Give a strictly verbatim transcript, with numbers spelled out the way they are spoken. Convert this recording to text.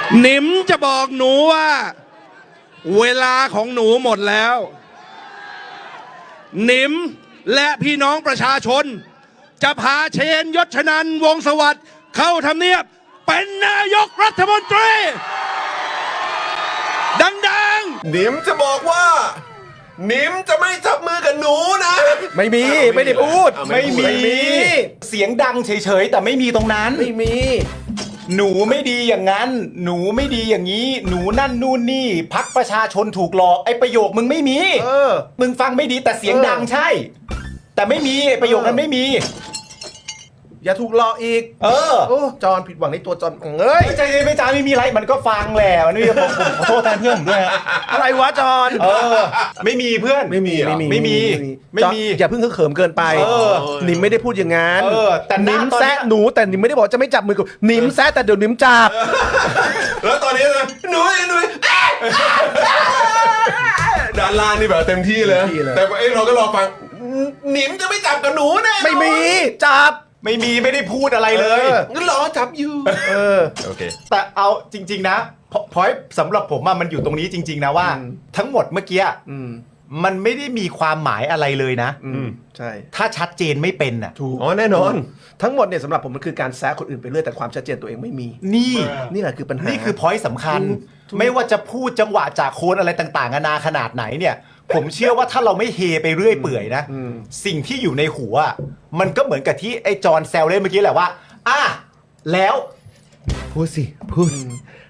หนิมจะบอกหนูว่าเวลาของหนูหมดแล้วหนิมและพี่น้องประชาชนจะพาเชนยศชนันท์วงศ์สวัสดิ์เข้าทำเนียบเป็นนายกรัฐมนตรีดังๆหนิมจะบอกว่าหนิมจะไม่จับมือกับหนูนะไม่มีไม่ได้พูดไม่มีเสียงดังเฉยๆแต่ไม่มีตรงนั้นไม่มีหนูไม่ดีอย่างนั้นหนูไม่ดีอย่างนี้หนูนั่นนู่นนี่พักประชาชนถูกหลอกไอ้ประโยคมึงไม่มีเออมึงฟังไม่ดีแต่เสียงดังใช่แต่ไม่มีไอ้ประโยคนั้นไม่มีอย่าถูกหลอกอีกเออโอ้จอนผิดหวังในตัวจอนเอ้ยไม่ใจไม่จ้าไม่มีอะไรมันก็ฟังแหละมันไม่มีผมขอโทษแทนเพื่อนผมด้วยอะไรวะจอนเออไม่มีเพื่อนไม่มีไม่มีไม่มีไม่มีอย่าเพิ่งเขิมเกินไปนิมไม่ได้พูดอย่างนั้นเออแต่นิมแซะหนูแต่นิมไม่ได้บอกจะไม่จับมือกับนิมแซะแต่เดี๋ยวนิมจับแล้วตอนนี้นะหนูหนูด้านล่างนี่แบบเต็มที่เลยแต่ไอ้เราก็รอฟังหนิมจะไม่จับกับหนูแน่ไม่มีจับไม่มีไม่ได้พูดอะไรเลยงั้นรอจับอยู่เออโอเคแต่เอาจริงๆนะพอยสำหรับผมมันอยู่ตรงนี้จริงๆนะว่าทั้งหมดเมื่อกี้มันไม่ได้มีความหมายอะไรเลยนะใช่ถ้าชัดเจนไม่เป็นอ่ะถูกอ๋อแน่นอนทั้งหมดเนี่ยสำหรับผมมันคือการแซะคนอื่นไปเรื่อยแต่ความชัดเจนตัวเองไม่มีนี่นี่แหละคือปัญหานี่คือพอยสำคัญไม่ว่าจะพูดจังหวะจากโคนอะไรต่างๆนานาขนาดไหนเนี่ยผมเชื่อว่าถ้าเราไม่เฮไปเรื่อยเปื่อยนะสิ่งที่อยู่ในหัวมันก็เหมือนกับที่ไอ้จอห์นแซวเล่นเมื่อกี้แหละว่าอ่ะแล้วพูดสิพูด